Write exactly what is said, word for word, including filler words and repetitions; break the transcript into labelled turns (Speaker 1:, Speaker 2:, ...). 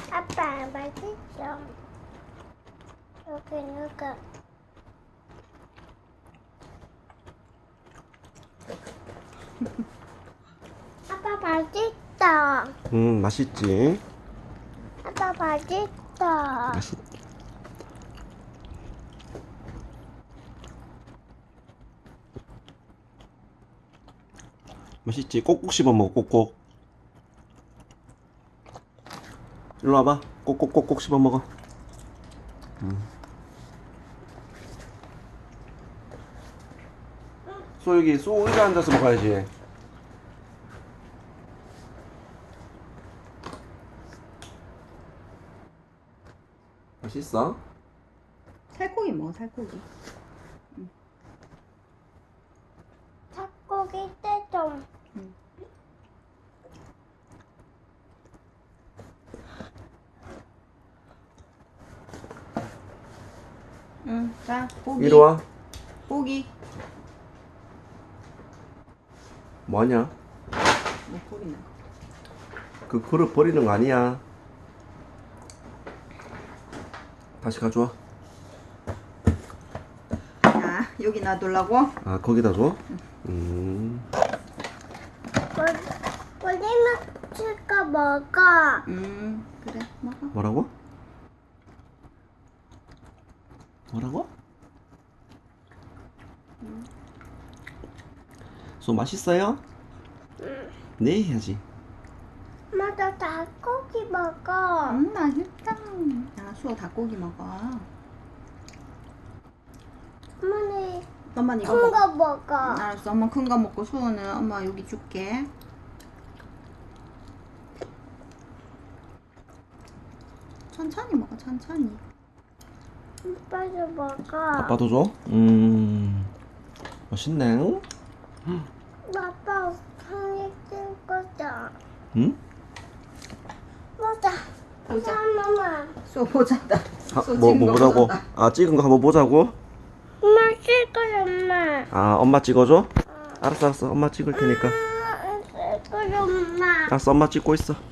Speaker 1: 아빠 맛있어. 여기 누가? 아빠 맛있다.
Speaker 2: 음, 맛있지.
Speaker 1: 아빠 맛있다.
Speaker 2: 맛있. 맛있지. 꼭꼭 씹어 먹어. 꼭꼭. 일로 와봐. 꼭꼭꼭꼭 씹어 먹어. 음. 소 여기 소 의자 앉아서 먹어야지. 맛있어?
Speaker 3: 살코기 먹어, 살코기.
Speaker 1: 닭고기 떼좀.
Speaker 3: 응. 응, 자, 고기.
Speaker 2: 이리 와.
Speaker 3: 고기.
Speaker 2: 뭐하냐?
Speaker 3: 뭐 고기나.
Speaker 2: 그 그릇 버리는 거 아니야. 다시 가져와.
Speaker 3: 자, 여기 놔두려고.
Speaker 2: 아, 거기다 줘? 음.
Speaker 1: 우리만 칠까 먹어.
Speaker 3: 음, 그래, 먹어.
Speaker 2: 뭐라고? 뭐라고? 소 맛있어요?
Speaker 1: 응.
Speaker 2: 네 해야지.
Speaker 1: 엄마 나 닭고기 먹어.
Speaker 3: 음, 맛있다. 자, 수호 닭고기 먹어.
Speaker 1: 어머니
Speaker 3: 엄마는 이거
Speaker 1: 큰
Speaker 3: 먹어.
Speaker 1: 거 먹어.
Speaker 3: 알았어, 엄마 큰 거 먹고 수호는 엄마 여기 줄게. 천천히 먹어, 천천히.
Speaker 1: 오빠도 먹어.
Speaker 2: 아빠도 줘? 음. 맛있네.
Speaker 1: 아빠 상이 뜰 거다.
Speaker 2: 응?
Speaker 1: 보자.
Speaker 3: 보자.
Speaker 1: 엄마.
Speaker 3: 수호 보자다.
Speaker 2: 아,
Speaker 3: 수호
Speaker 2: 뭐,
Speaker 3: 찍은
Speaker 2: 뭐
Speaker 3: 거
Speaker 2: 보자고?
Speaker 3: 보자다.
Speaker 2: 아, 찍은 거 한번 보자고?
Speaker 1: 엄마 쓸 거야 엄마.
Speaker 2: 아, 엄마 찍어줘? 알았어, 알았어. 엄마 찍을 테니까.
Speaker 1: 쓸 거야 엄마.
Speaker 2: 알았어, 엄마 찍고 있어.